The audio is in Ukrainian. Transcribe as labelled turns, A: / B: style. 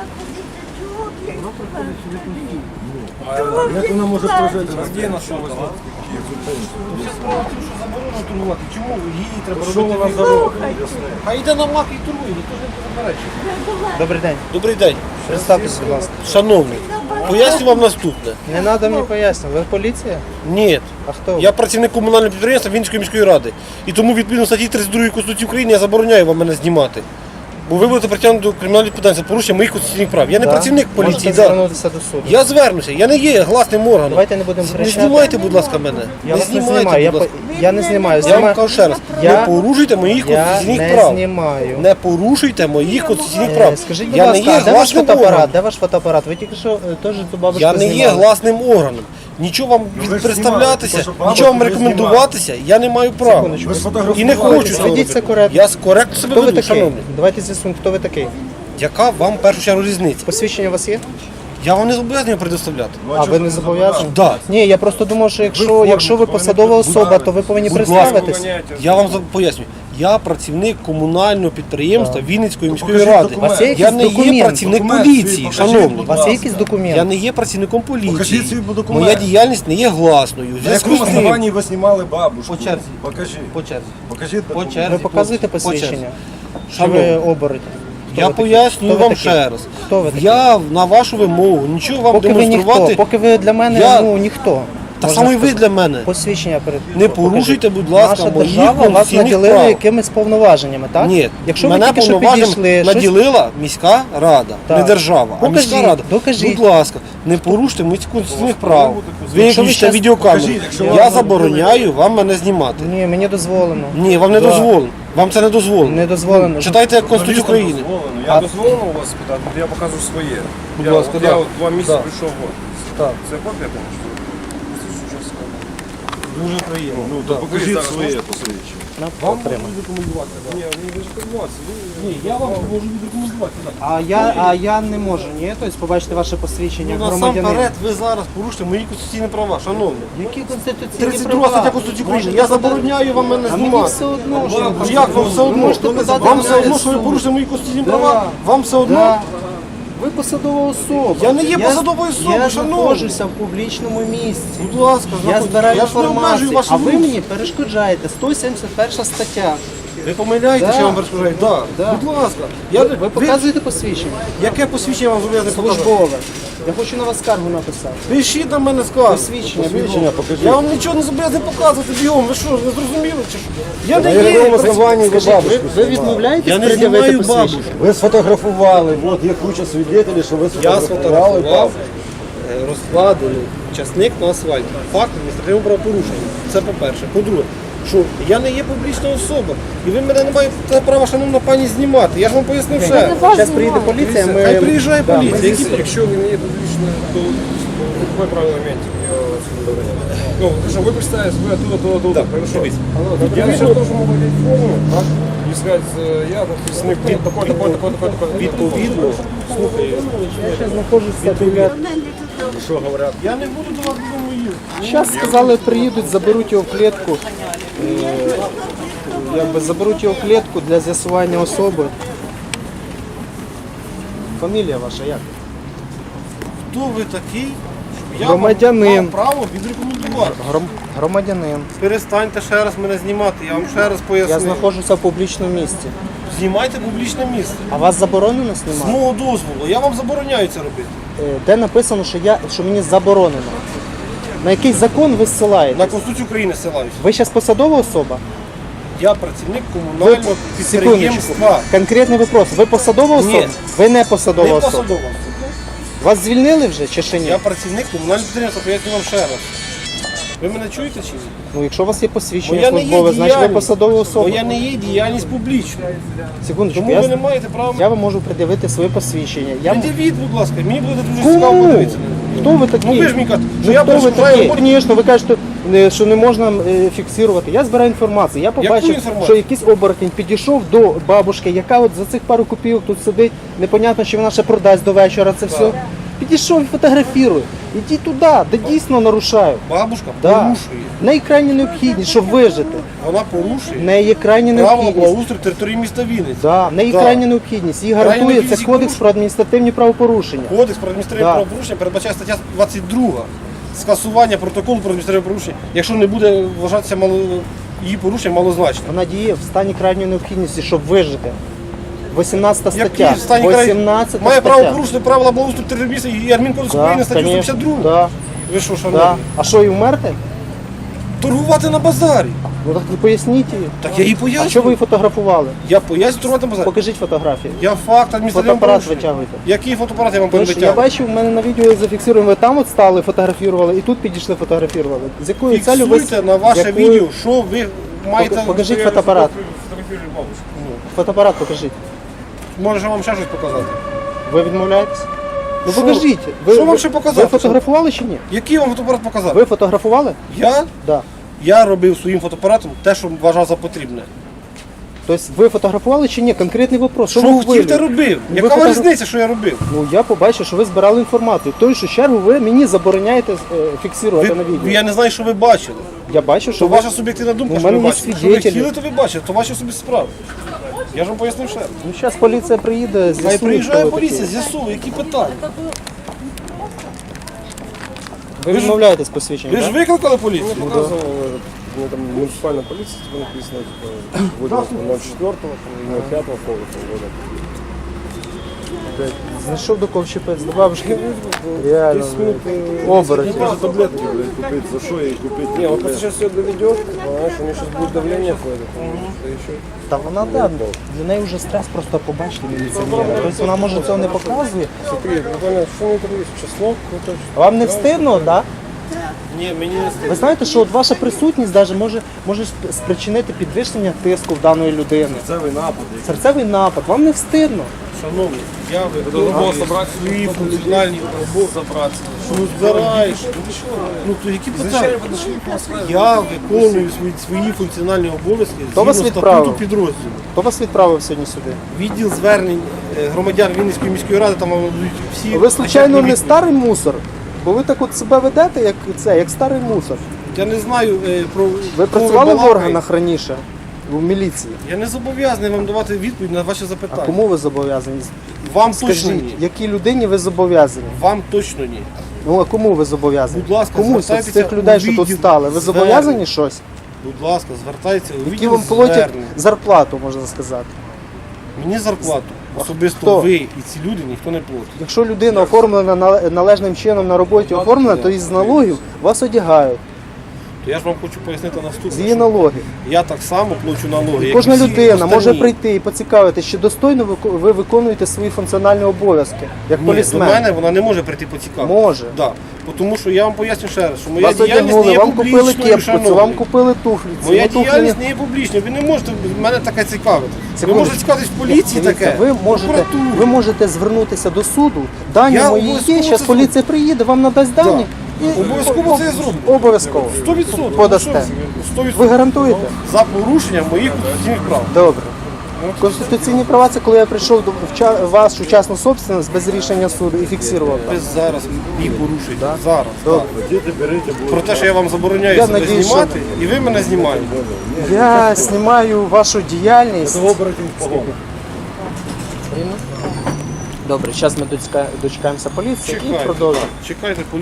A: Як вона може прожити?
B: Где нашел возможность?
A: Справа в тім, що заборонено торгувати. Чому її треба робити на дорогу? А йде на мак і торгує, ніхто ж не заперечує.
C: Добрий день.
A: Добрий день.
C: Представтесь, будь ласка.
A: Шановний, поясню вам наступне.
C: Не треба мені пояснювати. Ви поліція?
A: Ні.
C: А хто ви?
A: Я працівник комунального підприємства Вінницької міської ради. І тому відповідно статті 32 Конституції України я забороняю вам мене знімати. Бо ви будете притягнути до кримінальної відповідальності за порушення моїх конституційних прав. Я не
C: Да?
A: працівник поліції.
C: Можете
A: Да.
C: звернутися до суду.
A: Я звернуся, я не є гласним органом.
C: Давайте не будемо
A: Не
C: кричати.
A: знімайте, будь ласка, мене.
C: Я вас не
A: знімайте,
C: знімаю.
A: будь ласка.
C: Я не знімаю.
A: Я вам кажу ще раз,
C: Я-
A: не порушуйте моїх
C: Я
A: конституційних
C: не
A: прав.
C: знімаю.
A: Не порушуйте моїх конституційних прав.
C: Скажіть, будь
A: Я не
C: ласка,
A: є
C: а де ваш
A: гласним
C: фотоапарат?
A: органом.
C: Де ваш фотоапарат? Ви тільки що теж цю бабушку
A: Я не є
C: знімали.
A: гласним органом. Нічого вам представлятися, нічого вам рекомендуватися, я не маю права.
C: Секундочку.
A: І не хочу цього
C: Ведіть це
A: робити.
C: коректно.
A: Я коректно себе
C: Хто ви
A: веду,
C: такий?
A: шановний.
C: Давайте з'ясуємо, хто ви такий.
A: Яка вам в першу чергу різниця?
C: Посвідчення у вас є?
A: Я вам не зобов'язаний предоставляти.
C: А ви не зобов'язані?
A: Да.
C: Ні, я просто думав, що якщо ви посадова особа, то ви повинні
A: Будь
C: представитись.
A: Я вам поясню. Я працівник комунального підприємства Вінницької міської
B: покажіть
A: ради.
B: документ.
C: У вас є
A: Я
C: якийсь
A: не є
C: документ?
A: працівник
B: Документ
A: поліції,
B: свій покажіть,
A: шановний.
C: У вас є якийсь документ?
A: Я не є працівником поліції.
B: Покажіть свій документ.
A: Моя діяльність не є гласною. В
B: На
A: зв'язку
B: якому
A: з тим,
B: основанні ви знімали бабушку?
A: По черзі.
B: Покажіть.
A: по черзі.
B: Покажіть
A: По
B: документ.
A: черзі.
C: Ви показуєте
A: по черзі.
C: посвідчення? Що
A: Шановний.
C: ви оборотні? Хто
A: Я
C: ви такий?
A: пояснюю
C: Хто ви
A: вам
C: такий?
A: ще раз.
C: Хто ви такий?
A: Я на вашу вимогу нічого вам
C: Поки ви
A: демонструвати.
C: ніхто, поки ви для мене
A: Я-
C: ніхто.
A: Та
C: можна
A: саме і ви
C: сказати.
A: для мене.
C: Посвідчення перед
A: Не порушуйте, будь ласка,
C: Наша
A: моїх
C: держава вас
A: конституційних
C: наділила
A: прав.
C: якимись повноваженнями, так?
A: Ні,
C: Якщо ви
A: мене
C: тільки що
A: повноваженням
C: підійшли, щось...
A: наділила міська рада,
C: Так.
A: не держава, а
C: Докажіть,
A: міська рада.
C: докажіть.
A: Будь ласка, не порушуйте моїх конституційних прав.
C: Якщо ви
A: Виключте
C: щас-
A: відеокамеру.
B: Покажіть, якщо
A: Я
B: вам
A: забороняю вам мене знімати.
C: Ні, мені дозволено.
A: Ні, вам не
C: Да.
A: дозволено. Вам це не дозволено.
C: Не дозволено.
A: Читайте Конституцію України.
B: Дозволено. Я дозволено у вас спитати, я покажу своє.
A: Будь
B: Я
A: ласка,
B: от
A: да.
B: я от 2 місяці
A: Да.
B: прийшов.
A: Так.
B: Це копія, звісно.
A: Дуже приємно.
B: Ну, то покажіть своє посвідчення.
A: Вам можу рекомендувати.
B: Ні, ви ж рекомендуватися.
A: Ні, я вам можу рекомендувати.
C: А я не можу, ні? Тобто побачити ваше посвідчення громадянина.
A: Насамперед ви зараз порушите мої конституційні права, шановні.
C: Які конституційні
A: 32 стаття Конституції України. Я забороняю вам мене
C: А мені
A: знімати.
C: все одно, що ви
A: Як вам все
C: Ви
A: одно?
C: можете подати
A: Вам
C: на
A: все
C: мене
A: одно, що ви
C: суд.
A: порушите мої конституційні
C: Да.
A: права? Вам все одно?
C: Да. Ви посадова особа.
A: Я не є посадовою особою,
C: Я
A: шановний.
C: знаходжуся в публічному місці.
A: Будь ласка,
C: Я збираю
A: я ж не обмежую
C: інформацію,
A: вашу
C: а ви
A: руку.
C: мені перешкоджаєте. 171 стаття.
A: Ви помиляєтеся,
C: Да.
A: я вам розповідаю. Да.
C: Да.
A: Будь ласка.
C: Ви показуєте посвідчення?
A: Яке посвідчення вам зобов'язаний показати?
C: Службове. Я хочу на вас скаргу написати.
A: Пишіть на мене скаргу.
C: Посвідчення, бігом.
B: покажіть.
A: Я вам нічого не зобов'язаний показувати бігом. Ви що, не зрозуміли чи що? Я не
B: На якому
A: є.
B: основанні ви бабушку
C: Ви
B: знімали?
C: відмовляєтесь
A: Я не
C: пред'явити
A: знімаю
C: посвідчення?
A: бабушку.
B: Ви сфотографували, от є куча свідетелів, що ви
A: Я
B: сфотографували
A: сфотографував
B: бабушку.
A: розкладений часник на асфальті. Факт адміністративного правопорушення. Це по-перше. По-друге, що я не є публічна особа. І ви мене не маєте права, шановна пані, знімати. Я ж вам пояснив ще.
C: Зараз приїде поліція, ми...
A: Хай приїжджає
C: Да,
A: поліція. Які
B: Якщо ви не є публічно, то какое правило имеете? Ну, хорошо, вы представитесь, вы оттуда, хорошо. Я сейчас тоже могу одеть форму, так? И сказать, я подписник такой-то.
A: відповідно, слухай,
C: Я ще знаходжуся біля...
B: Что говорят?
A: я не буду до вас додому їздити.
C: Зараз сказали, приїдуть, заберуть його в клітку. Заберуть його в клітку для з'ясування особи. Фамілія ваша як?
A: Хто ви такий? Я
C: Громадянин.
A: вам мав право відрекомендувати.
C: Громадянин.
A: Перестаньте ще раз мене знімати, я вам ще раз поясню.
C: Я знаходжуся в публічному місці.
A: Знімайте публічне місце.
C: А вас заборонено
A: З
C: знімати?
A: мого дозволу. Я вам забороняю це робити.
C: Де написано, що мені заборонено? На який закон ви зсилаєте?
A: На Конституцію України ссилаюся.
C: Ви зараз посадова особа?
A: Я працівник комунального
C: Секундочку.
A: підприємства.
C: Конкретний вопрос. Ви посадова
A: Ні.
C: особа? Ви не посадова
A: Не
C: особа.
A: посадова.
C: Вас звільнили вже чи ще ні?
A: Я працівник комунального підприємства, поясню вам ще раз. Ви мене чуєте чи ні?
C: Ну, якщо у вас є посвідчення
A: Моя не є
C: службове, значить ви
A: діяльність.
C: посадова особа.
A: Моя не є діяльність публічна.
C: Секундочку,
A: Тому ви не маєте права.
C: я вам можу пред'явити своє посвідчення.
A: Пред'явіть, будь ласка, мені буде дуже цікаво
C: Кому?
A: подивитися.
C: Хто ви такі?
A: Ну ви ж мені кажете, що
C: Ну,
A: я
C: хто ви
A: перешкоджаю
C: такі?
A: роботі.
C: Звісно, ви кажете, що не можна фіксувати. Я збираю інформацію. Я побачив,
A: інформацію?
C: що якийсь оборотень підійшов до бабушки, яка от за цих пару копійок тут сидить. Непонятно, чи вона ще продасть до вечора це все. Підійшов і фотографірую. Ідіть туди, де дійсно нарушаю.
A: Бабушка
C: Да.
A: порушує.
C: В неї крайня необхідність, щоб вижити.
A: Вона
C: В
A: порушує
C: неї є крайня
A: право
C: необхідність.
A: благоустрою території міста Вінниці.
C: Да, в неї
A: Да.
C: крайня необхідність. Її
A: Крайня
C: гарантує це
A: необхідність
C: кодекс
A: порушення.
C: про адміністративні правопорушення.
A: Кодекс про адміністративне
C: Да.
A: правопорушення передбачає стаття 22. Скасування протоколу про адміністративне правопорушення, якщо не буде вважатися її порушення малозначним.
C: Вона діє в стані крайньої необхідності, щоб вижити. 18 стаття.
A: Який в стані краю
C: 18
A: має
C: стаття.
A: право порушити правила благоустрою території міста і адмінкодекс України статтю 152.
C: Да,
A: Ви що,
C: да.
A: шановні?
C: А що, і вмерти?
A: Торгувати на базарі.
C: Ну так і поясніть її.
A: Так я їй
C: А що ви
A: поясню.
C: її фотографували?
A: Я поясню торгувати на базарі.
C: Покажіть фотографії.
A: Я факт адміністративного
C: Фотоапарат
A: порушення.
C: витягуйте.
A: Який фотоапарат я вам
C: Тому що я
A: перевитягую?
C: бачив, в мене на відео зафіксуємо, ви там от стали, фотографували, і тут підійшли, фотографували. З якою целью ви...
A: Фіксуйте на ваше
C: якою-
A: відео, що ви маєте.
C: Покажіть фотоапарат.
B: Фотографировали бабушку.
C: Фотоапарат покажіть.
A: Може вам ще щось показати?
C: Ви відмовляєтесь? Ну
A: Що?
C: покажіть.
A: Що вам ще показати?
C: Ви фотографували чи ні?
A: Який вам фотоапарат показати?
C: Ви фотографували?
A: Я?
C: Да.
A: Я робив своїм фотоапаратом те, що вважав за потрібне.
C: Тобто ви фотографували чи ні? Конкретний вопрос.
A: Що
C: ви
A: хотів, те
C: вивели?
A: робив.
C: Ну,
A: Яка
C: ви
A: вам
C: фотограф-
A: різниця, що я робив?
C: Ну я побачив, що ви збирали інформацію. В той же чергу ви мені забороняєте фіксувати на відео.
A: Я не знаю, що ви бачили.
C: Я бачу, що
A: То
C: ви...
A: ваша суб'єктивна думка,
C: Ну,
A: що
C: в
A: ви
C: мене є
A: бачите. Що ви
C: свідетелі.
A: хотіли, то ви бачите, то ваші особисті справи. Я ж вам пояснив ще раз.
C: Ну зараз поліція приїде,
A: Хай
C: з'ясує,
A: приїжджає
C: хто ви
A: поліція,
C: такі.
A: з'ясує, які питання.
C: Ви відмовляєтесь посвідчення,
A: Ви ж
C: так?
A: викликали поліцію?
B: Мне показывал, у меня там муниципальная полиция, типа написано, типа, 04.05 года.
C: Знайшов до кого вчепець, до бабушки. Реально.
B: 10 минут.
C: Оборотень.
B: Даже таблетки, блядь, купить, за что ей купить? Не, он просто сейчас все доведет, понимаешь, у него сейчас будет давление какое-то, что еще.
C: Та вона да, для неї вже стрес просто побачити міліціонера. Тобто вона може цього не показує.
B: Смотри, буквально, что у него есть, число какое-то.
C: Вам не встидно, так? Да?
A: Ні, мені не стидно.
C: Ви знаєте, що от ваша присутність даже може спричинити підвищення тиску в даної людини.
B: Целый напад.
C: Серцевий напад. Вам не встидно.
A: Шановні, я
B: Було
A: виконую
B: собрати
A: свої функціональні
B: Забраться.
A: Ну, збираєш. Ну, то які питання? Я виконую свої функціональні обов'язки
C: Хто вас
A: згідно
C: відправив?
A: статуту підрозділу.
C: Хто вас відправив сьогодні сюди?
A: Відділ звернень громадян Вінницької міської ради, там будуть всі...
C: Ви, случайно,
A: начальні
C: не
A: відповіді.
C: старий мусор? Бо ви так от себе ведете, як старий мусор.
A: Я не знаю про...
C: Ви
A: кого
C: працювали в
A: балакаєте.
C: органах раніше? В міліції?
A: Я не зобов'язаний вам давати відповідь на ваші
C: А
A: запитання.
C: кому ви зобов'язані?
A: Вам точно
C: Скажіть,
A: ні.
C: якій людині ви зобов'язані?
A: Вам точно ні.
C: Ну а кому ви зобов'язані?
A: Будь ласка,
C: Комусь з
A: звертайтеся
C: цих людей, що
A: у
C: тут
A: відділ
C: стали. Ви
A: звернень.
C: зобов'язані щось?
A: Будь ласка, звертайтеся у
C: Які
A: відділ
C: вам платять
A: звернень.
C: зарплату, можна сказати.
A: Мені зарплату. Особисто
C: Хто?
A: ви і ці люди ніхто не платить.
C: Якщо людина оформлена належним чином на роботі оформлена, то із налогів вас одягають.
A: То я ж вам хочу пояснити
C: З
A: наступне.
C: її
A: що
C: налогів.
A: Я так само плачу налоги. як
C: Кожна
A: і всі
C: людина може
A: остальні.
C: прийти і поцікавитися, чи достойно ви виконуєте свої функціональні обов'язки, як
A: Ні, до
C: полісмен.
A: мене вона не може прийти поцікавитися.
C: Може.
A: Да. Тому що я вам поясню ще раз, що моя
C: Вас
A: діяльність не
C: одягнули,
A: є
C: вам купили
A: публічною,
C: кепку,
A: шановні.
C: вам купили туфлі. ці,
A: Моя
C: ну, туфлі
A: діяльність не є публічною. Ви не можете мене таке цікавити. Ви
C: Секунду.
A: можете цікавитись в поліції
C: Дивіться,
A: таке.
C: ви можете звернутися до суду, дані
A: Я
C: мої є,
A: обов'язково
C: зараз
A: це
C: поліція приїде, вам надасть дані. І
A: Обов'язково це зроблю.
C: Обов'язково.
A: 100%.
C: Подасте.
A: 100%.
C: Ви гарантуєте?
A: За порушення моїх конституційних прав.
C: Добре. Конституційні права це коли я прийшов до вашу частну собственность без рішення суду і фіксував.
A: Ви зараз їх порушуєте. Зараз.
C: Добре.
A: Так. Про те, що я вам забороняю
C: Я
A: себе
C: надіюсь,
A: знімати, і ви мене знімаєте.
C: Я знімаю вашу діяльність. Добре, зараз ми дочекаємося поліції і
A: Чекайте.
C: продовжимо.
A: Чекайте